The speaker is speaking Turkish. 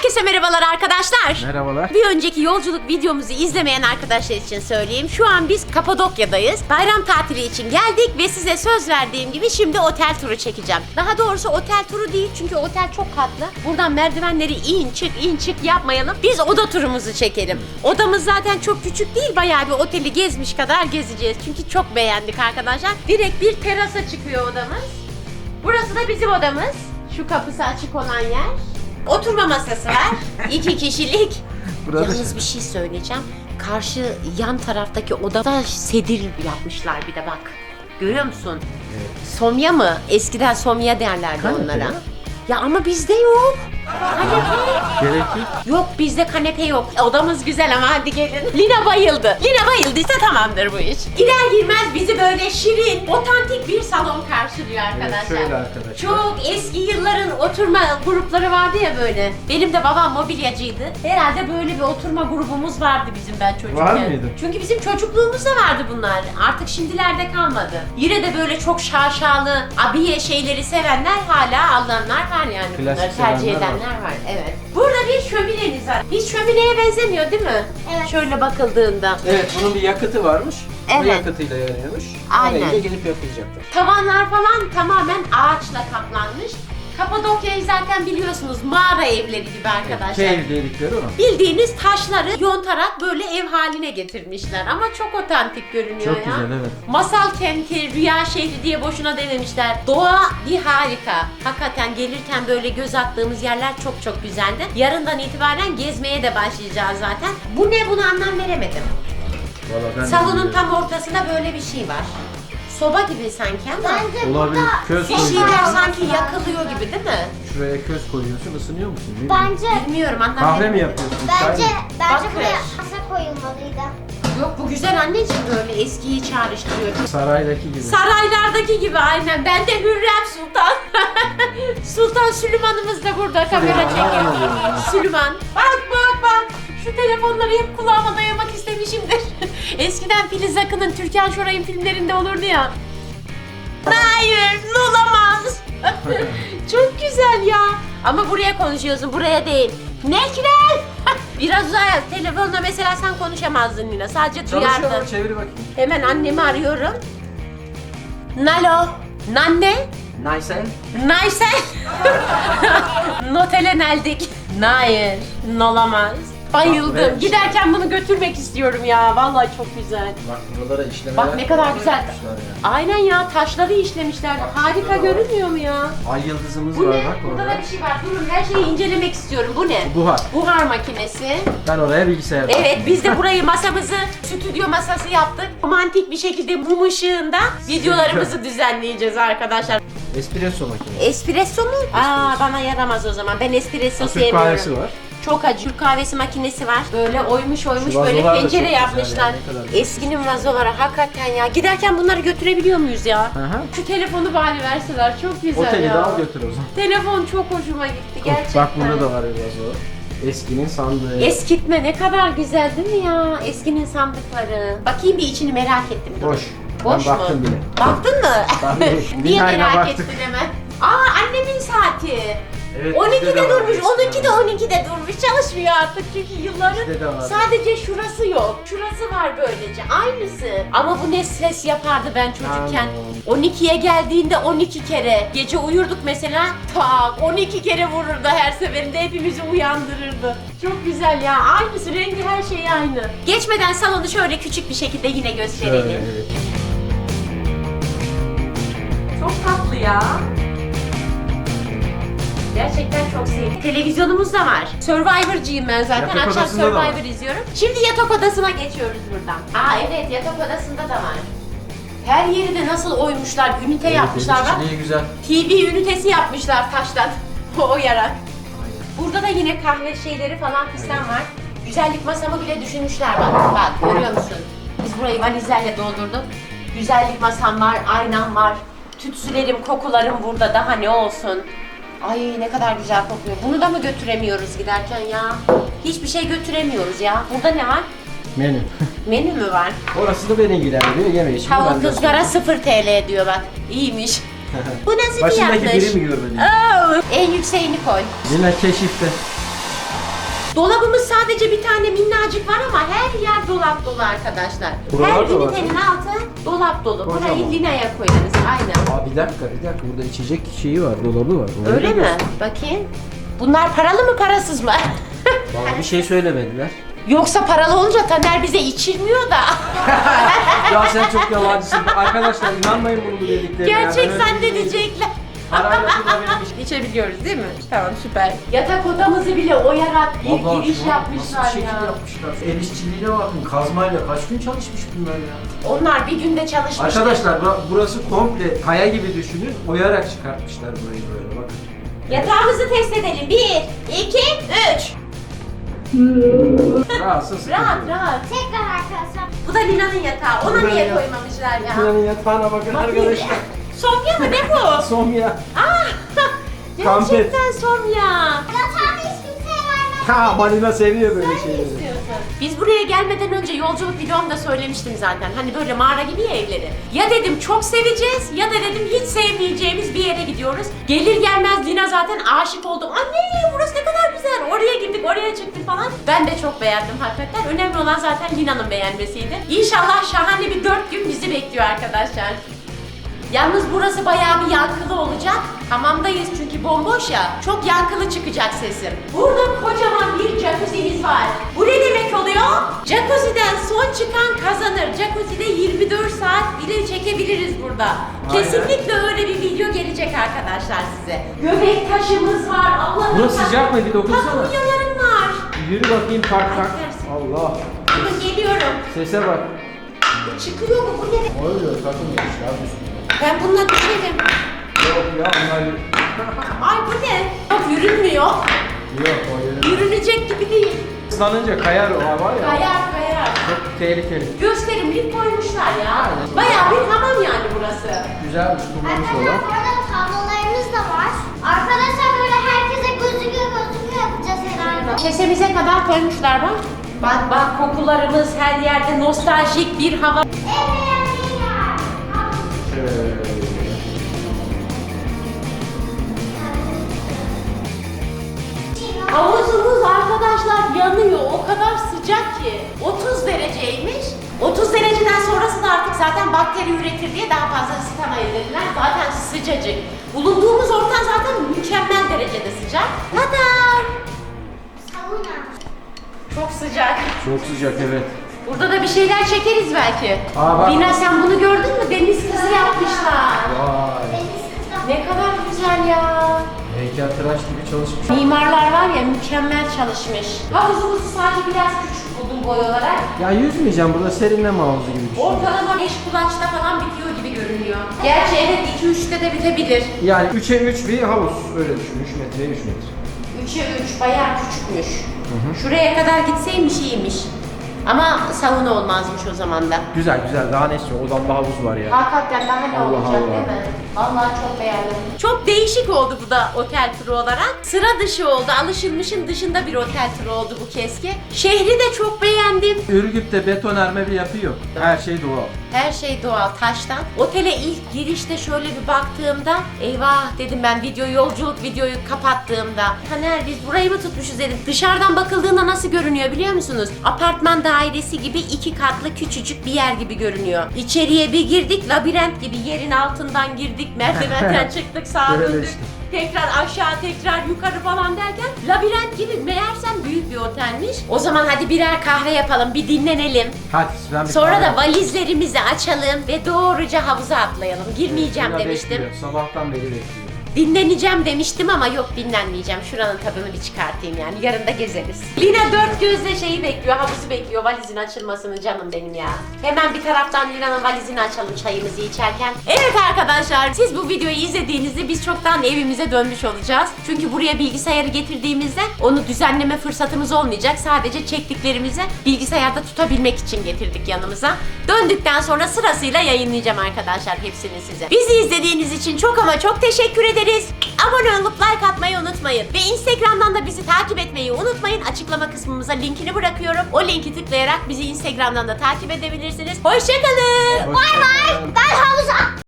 Herkese merhabalar arkadaşlar. Merhabalar. Bir önceki yolculuk videomuzu izlemeyen arkadaşlar için söyleyeyim. Şu an biz Kapadokya'dayız. Bayram tatili için geldik ve size söz verdiğim gibi şimdi otel turu çekeceğim. Daha doğrusu otel turu değil çünkü otel çok katlı. Buradan merdivenleri in çık yapmayalım. Biz oda turumuzu çekelim. Odamız zaten çok küçük değil. Bayağı bir oteli gezmiş kadar gezeceğiz. Çünkü çok beğendik arkadaşlar. Direkt bir terasa çıkıyor odamız. Burası da bizim odamız. Şu kapısı açık olan yer. Oturma masası var. 2 kişilik. Yalnız bir şey söyleyeceğim. Karşı yan taraftaki odada sedir yapmışlar bir de bak. Görüyor musun? Evet. Somya mı? Eskiden somya derlerdi Kanepe onlara. ya. Ya ama bizde yok. Kanepe. Gerek yok. Yok bizde kanepe yok. Odamız güzel ama hadi gelin. Lina bayıldı. Lina bayıldıysa tamamdır bu iş. Girer girmez bizi böyle şirin, otantik bir salon karşılıyor arkadaşlar. Evet, şöyle arkadaşlar. Çok eski yılların oturma grupları vardı ya böyle. Benim de babam mobilyacıydı. Herhalde böyle bir oturma grubumuz vardı bizim ben çocukken. Var mıydı? Çünkü bizim çocukluğumuzda vardı bunlar. Artık şimdilerde kalmadı. Yine de böyle çok şaşalı, abiye şeyleri sevenler hala alanlar var yani. Klasik Bunları tercih sevenler edenler var. Evet. Burada bir şömineniz var. Hiç şömineye benzemiyor değil mi? Evet. Şöyle bakıldığında. Evet, bunun bir yakıtı varmış. Evet. O yakıtıyla yanıyormuş. Aynen. Orayı da gelip yakılacaktır. Tavanlar falan tamamen ağaçla kaplanmış. Kapadokya'yı zaten biliyorsunuz mağara evleri gibi arkadaşlar. Cave dedikleri o. Bildiğiniz taşları yontarak böyle ev haline getirmişler ama çok otantik görünüyor Çok ya. güzel, evet. Masal kenti, rüya şehri diye boşuna dememişler. Doğa bir harika. Hakikaten gelirken böyle göz attığımız yerler çok çok güzeldi. Yarından itibaren gezmeye de başlayacağız zaten. Bu ne, bunu anlam veremedim. Vallahi ben de Salonun bilmiyorum. tam ortasında böyle bir şey var. Soba gibi sanki ama Bence Olabilir. burada Köz bir koyuyorsun. şeyler sanki yakılıyor gibi değil mi? Şuraya köz koyuyorsun, ısınıyor musun? Ne bileyim. bence Bilmiyorum anlam Kahve mi veremedim. yapıyorsun? Çay bence mı? Bakır. buraya masa koyulmalıydı. Yok bu güzel anneciğim, böyle eskiyi çağrıştırıyor. Saraydaki gibi. Saraylardaki gibi aynen. Ben de Hürrem Sultan. Sultan Süleyman'ımız da burada kamera çekiyor. Süleyman. Bak bak bak. Şu telefonları hep kulağıma dayamak istemişimdir. Eskiden Filiz Akın'ın Türkan Şoray'ın filmlerinde olurdu ya. Hayır, olamaz. Çok güzel ya. Ama buraya konuşuyorsun, buraya değil. Nekler! Biraz uzaya. Telefonla mesela sen konuşamazdın Nina. Sadece Çalışıyor duyardın. mu? Çevir bakayım. Hemen annemi arıyorum. Nalo. Nanne. Nice. Nice. Notele neldik. Hayır. Olamaz. Bayıldım. Bak, Giderken bunu götürmek istiyorum ya. Vallahi çok güzel. Bak buralara işlemeler. Bak ne kadar güzel. yapmışlar ya. Aynen ya, taşları işlemişler. Bak, Harika şurada var. görünmüyor mu ya? Ay yıldızımız Bu var ne? bak Burada orada. da bir şey var. Durun, her şeyi incelemek istiyorum. Bu ne? Buhar. Buhar makinesi. Ben oraya bilgisayar Evet, biz de burayı masamızı stüdyo masası yaptık. Romantik bir şekilde mum ışığında videolarımızı düzenleyeceğiz arkadaşlar. Espresso makinesi. Espresso mu? Aa, bana yaramaz o zaman. Ben espresso Türk sevmiyorum. kahvesi var. Çok acı. Türk kahvesi makinesi var. Böyle oymuş Şu böyle vazolar da çok pencere güzel yapmışlar. ya, ne kadar güzel. Eskinin vazoları hakikaten ya. Giderken bunları götürebiliyor muyuz ya? Aha. Şu telefonu bari verseler, çok güzel Oteli ya. de al götür o zaman. Telefon çok hoşuma gitti gerçekten. Bak burada da var bir vazo. Eskinin sandığı. Eskitme ne kadar güzel değil mi ya? Eskinin sandıkları. Bakayım bir, içini merak ettim. Dur. Boş. Boş Ben mu? baktım bile. Baktın mı? Baktım. Niye Binayla merak baktık. ettin hemen? Aa, annemin saati. Evet, 12'de bizde de var, durmuş, eskiden 12'de var. 12'de durmuş. Çalışmıyor artık çünkü yılların Bizde de var. sadece şurası yok. Şurası var böylece. Aynısı. Ama bu ne ses yapardı ben çocukken. Aman. 12'ye geldiğinde 12 kere. Gece uyurduk mesela. Tak 12 kere vururdu her seferinde. Hepimizi uyandırırdı. Çok güzel ya. Aynısı, rengi, her şey aynı. Geçmeden salonu şöyle küçük bir şekilde yine gösterelim. Şöyle, evet. Çok tatlı ya. Gerçekten çok sevdim. Televizyonumuz da var. Survivor'cıyım ben zaten. Yatak Akşam odasında da var. Survivor izliyorum. Şimdi yatak odasına geçiyoruz buradan. Aa evet, yatak odasında da var. Her yeri de nasıl oymuşlar, ünite yapmışlar bak. İçeriği güzel. TV ünitesi yapmışlar taştan. Oyarak. Aynen. Burada da yine kahve şeyleri falan fistan var. Güzellik masamı bile düşünmüşler bak. Bak görüyor musun? Biz burayı valizlerle doldurduk. Güzellik masam var, aynam var. Tütsülerim, kokularım burada, daha ne olsun. Ay ne kadar güzel kokuyor. Bunu da mı götüremiyoruz giderken ya? Hiçbir şey götüremiyoruz ya. Burada ne var? Menü. Menü mü var? Orası da beni ilgilendiriyor. Yeme içme. Tavuk ızgara 0 TL diyor bak. İyiymiş. Bu nasıl Başındaki fiyatmış? biri mi görmedin? Oo, en yükseğini koy. Yine keşifte. Dolabımız sadece bir tane minnacık var ama her yer dolap dolu arkadaşlar. Buralar Her da var. ünitenin altı dolap dolu. Burayı Kocaman. Lina'ya koyarız. Aynen. Aa bir dakika burada içecek şeyi var, dolabı var. Orayı Öyle da mi? göster. Bakayım. Bunlar paralı mı parasız mı? Bana bir şey söylemediler. Yoksa paralı olunca Taner bize içirmiyor da. Ya sen çok yalancısın. Arkadaşlar inanmayın bunu bu dediklerine. Gerçek zannedecekler. Parayla şurada benim iş. İçebiliyoruz değil mi? Tamam süper. Yatak odamızı bile oyarak bir Vallahi giriş şu an yapmışlar nasıl bir ya. şekil yapmışlar. El işçiliğine bakın, kazmayla kaç gün çalışmış bunlar ya. Onlar bir günde çalışmış. Arkadaşlar burası komple kaya gibi düşünün. Oyarak çıkartmışlar burayı böyle bakın. Yatağımızı test edelim. 1, 2, 3. Rahatsız sıkıntı. Rahat rahat. Tekrar arkadaşlar. Bu da Lina'nın yatağı. Ona Lina'nın niye yatağı. koymamışlar ya? Lina'nın yatağına bakın arkadaşlar. Somya mı ne bu? Somya. Kampet. Gerçekten Somya. Yatağını hiç kimseye vermem. Ha Balina seviyor böyle Ne şeyleri. istiyorsun? Biz buraya gelmeden önce yolculuk videomda söylemiştim zaten. Hani böyle mağara gibi ya evleri. Ya dedim çok seveceğiz ya da dedim hiç sevmeyeceğimiz bir yere gidiyoruz. Gelir gelmez Lina zaten aşık oldu. Anne burası ne kadar güzel. Oraya gittik, oraya çıktık falan. Ben de çok beğendim hakikaten. Önemli olan zaten Lina'nın beğenmesiydi. İnşallah şahane bir 4 gün bizi bekliyor arkadaşlar. Yalnız burası bayağı bir yankılı olacak. Hamamdayız çünkü bomboş ya. Çok yankılı çıkacak sesim. Burada kocaman bir jacuzzi'miz var. Bu ne demek oluyor? Jacuzzi'den son çıkan kazanır. Jacuzzi'de 24 saat bile çekebiliriz burada. Aynen. Kesinlikle öyle bir video gelecek arkadaşlar size. Göbek taşımız var. Allah'ım. Burası sıcak mı? Bir dokunsana. Takunyalarım var. Yürü bakayım tak tak. Ay, Allah. Bakın geliyorum. Sese bak. Çıkıyor mu? Bu ne? Oluyor takılmış ya üstüne. Ben bununla düşerim. Yok ya onlar Ay bu ne? Bak yürünmüyor. yok o yeri. Yürünecek gibi değil. Islanınca kayar o var ya. Kayar kayar. Çok tehlikeli. Gösterimlik koymuşlar ya. Bayağı bir hamam yani burası. Güzelmiş kullanmış Arkadaşlar olan. bu arada tablolarımız da var. Arkadaşlar böyle herkese gözüküyor yapacağız herhalde. Kesemize kadar koymuşlar bak. Bak bak kokularımız her yerde nostaljik bir hava. Havuzumuz arkadaşlar yanıyor. O kadar sıcak ki. 30 dereceymiş. 30 dereceden sonrası da artık zaten bakteri üretir diye daha fazla ısıtamayız dediler. Zaten sıcacık. Bulunduğumuz ortam zaten mükemmel derecede sıcak. Tadam! Sauna. Çok sıcak. Çok sıcak evet. Burada da bir şeyler çekeriz belki. Aa, bak. Lina sen bunu gördün mü? Deniz kızı yapmışlar. Vay. Deniz kızı. Ne kadar güzel ya. Heykeltıraş gibi çalışmış. Mimarlar var ya mükemmel çalışmış. Havuzumuzu sadece biraz küçük buldum boy olarak. Ya yüzmeyeceğim burada serinleme havuzu gibi bir şey. Ortalama 5 kulaçta falan bitiyor gibi görünüyor. Gerçi evet 2-3'te de bitebilir. Yani 3'e 3 bir havuz öyle düşün. 3 metreye 3 metre. 3'e 3 bayağı küçükmüş. Şuraya kadar gitseymiş iyiymiş. Ama sauna olmazmış o zaman da. Güzel güzel daha ne istiyor? Odamda havuz var ya. Hakikaten daha ne Allah olacak Allah. değil mi? Vallahi çok beğendim. Çok değişik oldu bu da otel turu olarak. Sıra dışı oldu. Alışılmışın dışında bir otel turu oldu bu kez ki. Şehri de çok beğendim. Ürgüp'te betonarme bir yapı yok. Her şey doğal. Her şey doğal taştan. Otele ilk girişte şöyle bir baktığımda eyvah dedim ben yolculuk videoyu kapattığımda. Taner biz burayı mı tutmuşuz dedim. Dışarıdan bakıldığında nasıl görünüyor biliyor musunuz? Apartman dairesi gibi 2 katlı küçücük bir yer gibi görünüyor. İçeriye bir girdik labirent gibi yerin altından girdik merdivenden çıktık sağa Öyle döndük. işte. Tekrar aşağı tekrar yukarı falan derken labirent gibi meğersem büyük bir otelmiş. O zaman hadi birer kahve yapalım bir dinlenelim. Hadi ben bir Sonra kahve- da valizlerimizi açalım ve doğruca havuza atlayalım. Girmeyeceğim Şurada demiştim. bekliyor. Sabahtan beri bekliyor. Dinleneceğim demiştim ama yok dinlenmeyeceğim. Şuranın tadını bir çıkartayım yani. Yarın da gezeriz. Lina dört gözle şeyi bekliyor, havuzu bekliyor. Valizin açılmasını canım benim ya. Hemen bir taraftan Lina'nın valizini açalım çayımızı içerken. Evet arkadaşlar siz bu videoyu izlediğinizde biz çoktan evimize dönmüş olacağız. Çünkü buraya bilgisayarı getirdiğimizde onu düzenleme fırsatımız olmayacak. Sadece çektiklerimizi bilgisayarda tutabilmek için getirdik yanımıza. Döndükten sonra sırasıyla yayınlayacağım arkadaşlar hepsini size. Bizi izlediğiniz için çok ama çok teşekkür ederiz. Abone olup like atmayı unutmayın. Ve Instagram'dan da bizi takip etmeyi unutmayın. Açıklama kısmımıza linkini bırakıyorum. O linki tıklayarak bizi Instagram'dan da takip edebilirsiniz. Hoşçakalın. Bay bay. Ben havuza